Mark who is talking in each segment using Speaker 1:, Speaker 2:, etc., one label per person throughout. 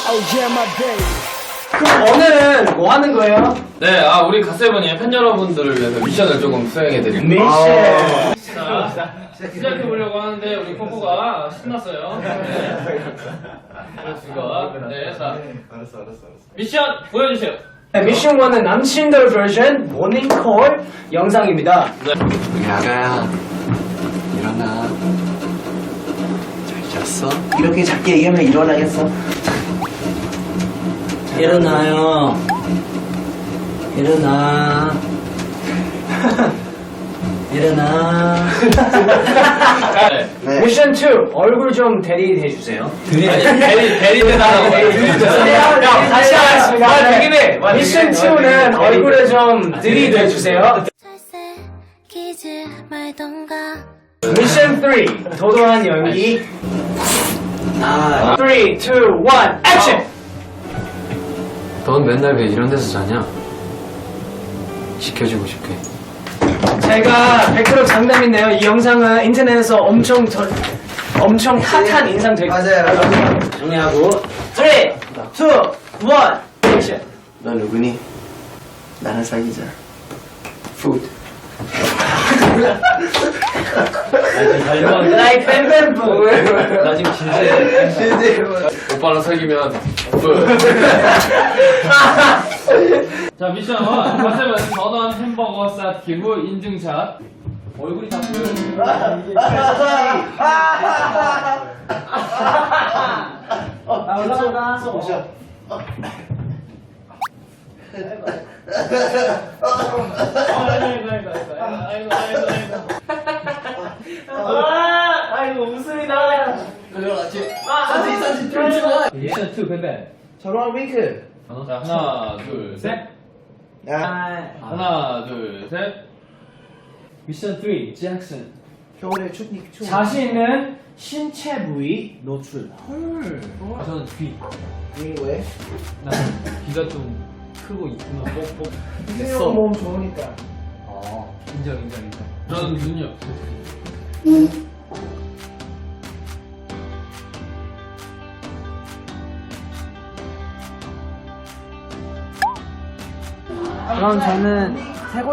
Speaker 1: 오늘은 뭐 하는 거예요?
Speaker 2: 네, 우리 갓세븐이 팬 여러분들을 위해서 미션을 조금 수행해드립니다.
Speaker 1: 미션.
Speaker 2: 자, 시작해보려고 하는데 우리 코코가 신났어요. 그렇습니다. 네, 자, 알았어. 미션 보여주세요.
Speaker 1: 네, 미션 1은 남친들 버전 모닝콜 영상입니다.
Speaker 2: 네.
Speaker 3: 야가야 일어나. 잘 잤어? 이렇게 작게 얘기하면 일어나겠어?
Speaker 1: 일어나요. 일어나. 일어나.
Speaker 2: 네.
Speaker 1: 미션 2 얼굴 좀 대리해주세요.
Speaker 2: 대리해달라고.
Speaker 1: 다시 하겠습니다. 되긴 해. 미션 2는 얼굴에 좀 들이대주세요.
Speaker 4: 기지 말던가.
Speaker 1: 미션 3 도도한 연기. 3, 2, 1 액션.
Speaker 5: 넌 맨날 왜 이런 데서 자냐? 지켜주고 싶게.
Speaker 1: 제가 100% 장담인데요. 이 영상은 인터넷에서 엄청 핫한 인상 될 거예요.
Speaker 3: 맞아요.
Speaker 1: 정리하고 3, 2, 1 액션.
Speaker 3: 너 누구니? 나랑 사귀자. 푸드.
Speaker 1: Like 뱀뱀부.
Speaker 2: 나 지금 진지해. 오빠랑 사귀면 자, 미션 1. 갓세븐 전원 햄버거 쌓기 후 인증샷. 얼굴이 다 보여요.
Speaker 1: 나 올라간다. 아이고 웃음이다.
Speaker 2: 미션 2 뱀뱀.
Speaker 3: 저런 윙크.
Speaker 2: 자, 하나, 둘, 셋. 하나, 둘, 셋.
Speaker 1: 미션 3 잭슨.
Speaker 3: 겨울에 춥니?
Speaker 1: 자신 있는 신체 부위 노출.
Speaker 2: 저는 귀.
Speaker 3: 왜?
Speaker 2: 난 귀가 좀 크고 있구나. 뻑뻑.
Speaker 3: 됐어. 몸 좋으니까.
Speaker 2: 인정. 저는 눈이 없어.
Speaker 1: 그럼 저는 해골.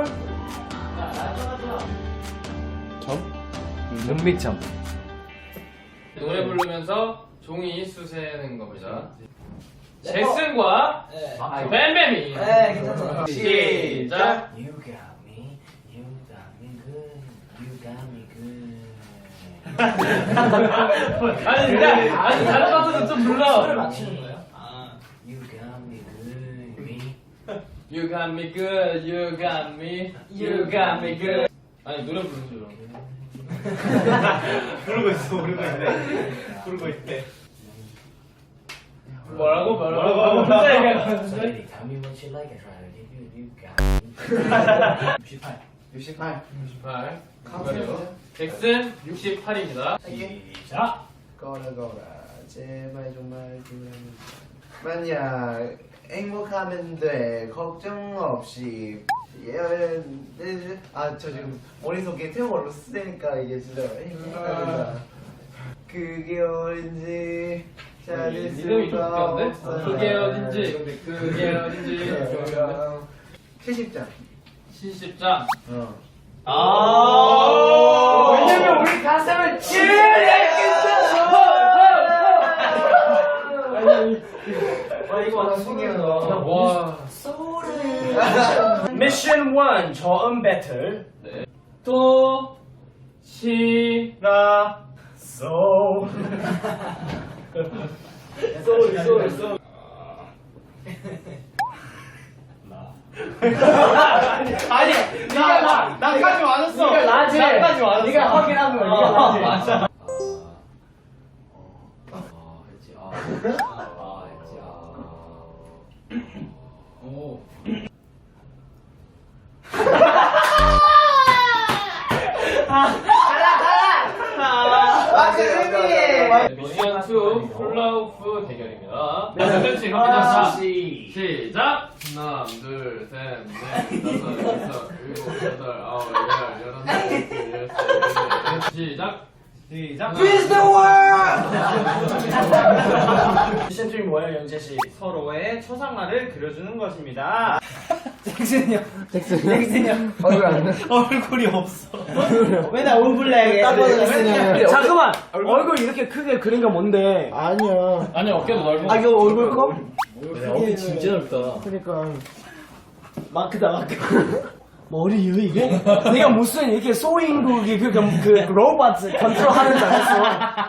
Speaker 5: 눈밑점.
Speaker 2: 노래 부르면서 종이 수세는 겁니다. 잭슨과 뱀뱀이. 시작.
Speaker 3: You got me, you got me good, you got me good.
Speaker 2: 아니 다른 가수는 좀 불러.
Speaker 3: 맞추는 거야? You got me good, me.
Speaker 2: You got me good, you got me, you got me good. 아니 노래 부르는 줄 알았네. 부르고 있대. 뭐라고? 진짜 얘기하는
Speaker 3: Tell me what you like, I try to give you, you got me. 68.
Speaker 2: 68. 그거요. 잭슨 68입니다. 시작.
Speaker 3: 거라 제발 정말 만약 행복하면 돼 걱정 없이 저 지금 머릿속에 태국어로 쓰니까 이게 진짜 행복합니다. 그게 어딘지 찾을
Speaker 2: 리듬이 좀
Speaker 3: 수가
Speaker 2: 웃겼네?
Speaker 3: 없어요.
Speaker 2: 그게 어딘지
Speaker 3: 70장
Speaker 2: 70장.
Speaker 1: 왜냐면 우리 가슴을 제일
Speaker 3: 이거 완전 신기하다.
Speaker 2: 와.
Speaker 1: 미션 1 저음 배틀.
Speaker 2: 네. 또 시라
Speaker 1: 소. 아니, 나까지 맞았어. 네가 나지. 나까지 맞았어. 네가 확인한 거야. 네가 나지. 맞아.
Speaker 2: 오. 미션 2 훌라후프 대결입니다. 그렇지. 시작. 하나, 둘, 셋, 넷, 다섯, 여섯, 일곱, 여덟, 아홉, 열, 열하나, 열둘, 열셋, 열넷. 시작. 시작.
Speaker 3: Freeze the world!
Speaker 1: 미션 3 뭐예요, 영재 씨?
Speaker 2: 서로의 초상화를 그려주는 것입니다.
Speaker 1: 잭슨이요.
Speaker 2: 얼굴이 없어.
Speaker 3: 맨날 올블랙에
Speaker 1: 잠깐만. 얼굴 이렇게 크게 그린 거 뭔데?
Speaker 3: 아니야.
Speaker 2: 아니 어깨도 넓어.
Speaker 3: 아 이거 얼굴 커?
Speaker 1: 얼굴 진짜 넓다.
Speaker 3: 그러니까
Speaker 1: 마크다. 머리요 이게? 내가 무슨 이렇게 소인국이 그 로봇 컨트롤하는 줄 알았어.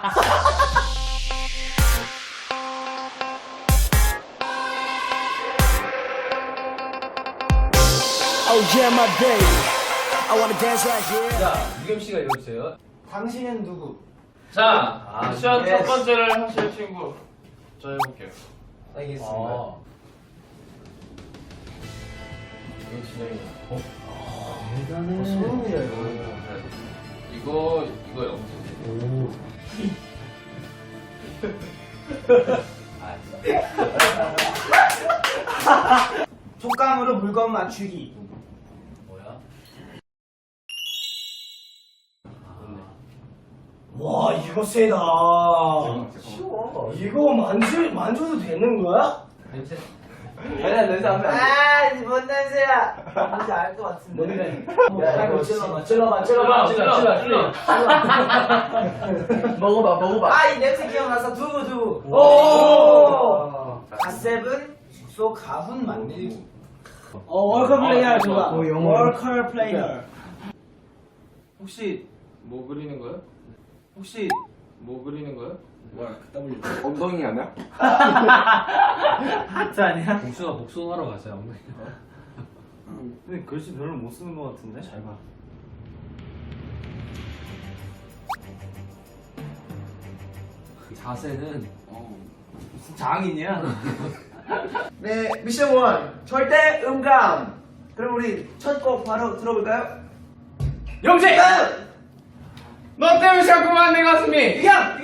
Speaker 3: Oh yeah my baby I wanna dance right here.
Speaker 5: 자, 유겸 씨가 읽어주세요.
Speaker 3: 당신은 누구?
Speaker 2: 자, 미션 첫
Speaker 3: yes.
Speaker 2: 번째를 하실 친구. 저 해볼게요.
Speaker 3: 알겠습니다.
Speaker 5: 이거 진영이.
Speaker 3: 소름이야 이거.
Speaker 2: 이거 영수.
Speaker 3: 촉감으로 물건 맞추기.
Speaker 5: 뭐야?
Speaker 1: 와 이거 세다.
Speaker 3: 쉬워.
Speaker 1: 이거 만져도 되는 거야?
Speaker 5: 냄새.
Speaker 3: 아니야 냄새 안 나. 아, 뭔 냄새야? 뭔지 알 것 같은데.
Speaker 1: 뭔데?
Speaker 3: 야,
Speaker 1: 이거
Speaker 3: 이거
Speaker 1: 찔러봐. 먹어봐.
Speaker 3: 아, 이 냄새 기억나서 두부.
Speaker 1: 오!
Speaker 3: 갓세븐 숙소 가훈 만들기.
Speaker 1: 월커 플레이어 좋아.
Speaker 3: 월컬 플레이어.
Speaker 2: 혹시 뭐 그리는 거요? 혹시 뭐 그리는 거요?
Speaker 5: 엉덩이 아니야?
Speaker 3: 하트 아니야?
Speaker 5: 복숭아 복숭아로 가자. 엉덩이.
Speaker 2: 근데 글씨 별로 못 쓰는 것 같은데? 잘 봐.
Speaker 5: 자세는
Speaker 3: 장인이야. 네, 미션 1. 절대 음감. 그럼 우리 첫 곡 바로 들어볼까요?
Speaker 2: 영재! 너 때문에 자꾸만 내 가슴이!
Speaker 3: 이경!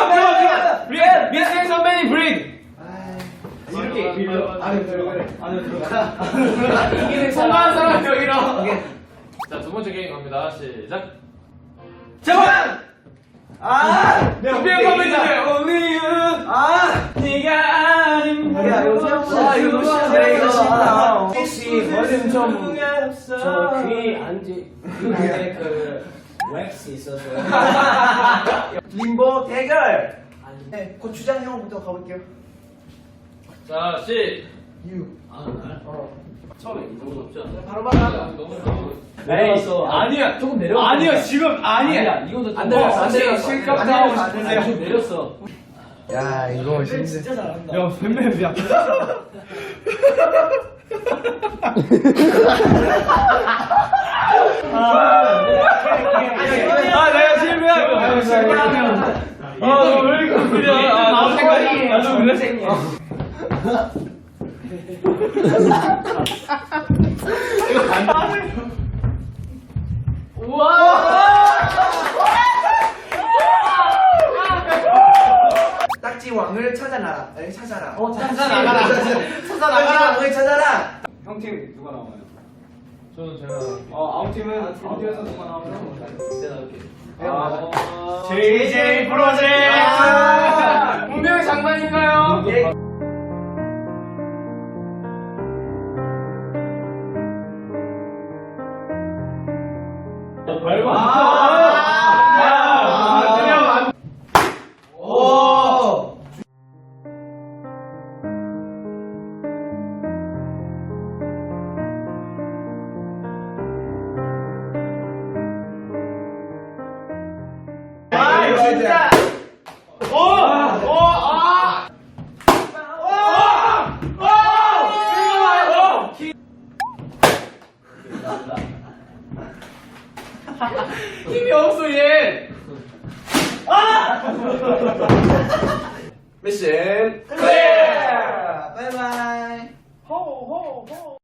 Speaker 2: 미스팅 선배님 브릭!
Speaker 3: 이렇게 빌려. 안에 들어가.
Speaker 2: 이기는 성공한 사람 여기로! 자, 두 번째 게임 갑니다. 시작!
Speaker 3: 재원! 아!
Speaker 2: 준비한 선배님들, 오늘은 네가 아닌
Speaker 3: 야, 이거 생각보다 이거 너무 쉽네, 이거.
Speaker 1: 혹시 뭐든 저귀 안지 귀에 그 웩스 있어서.
Speaker 3: 림보 대결! 네, 고추장 형부터 가볼게요.
Speaker 2: 자,
Speaker 5: 처음에 이거 없지 않아?
Speaker 3: 바로.
Speaker 1: 내려왔어.
Speaker 2: 아니야!
Speaker 1: 조금 내려왔어.
Speaker 2: 아니야, 지금 아니야!
Speaker 1: 이거도
Speaker 5: 안 내려왔어. 안 내려왔어.
Speaker 2: 실컷
Speaker 3: 안
Speaker 2: 하고
Speaker 3: 내려왔어.
Speaker 2: 싶으세요?
Speaker 1: 좀 내렸어.
Speaker 3: 야, 이거
Speaker 1: 진짜 잘한다.
Speaker 2: 야, 뱀뱀이야. 내가 실패하면. 왜 이렇게 그려? 나도 생각이. 나도 의생이야.
Speaker 3: 딱지 왕을 찾아라. 찾아라.
Speaker 2: 찾아나가라.
Speaker 3: 딱지 왕을 찾아라.
Speaker 2: 형 팀 누가 나와요? 저는 제가. 아웃팀은 아웃팀에서 누가 나오면
Speaker 5: 내가 나올게.
Speaker 2: JJ 프로젝트. 분명히 장난인가요?
Speaker 3: 진짜.
Speaker 2: 힘이 없어 얘.
Speaker 3: 미션 클리어. 바이바이.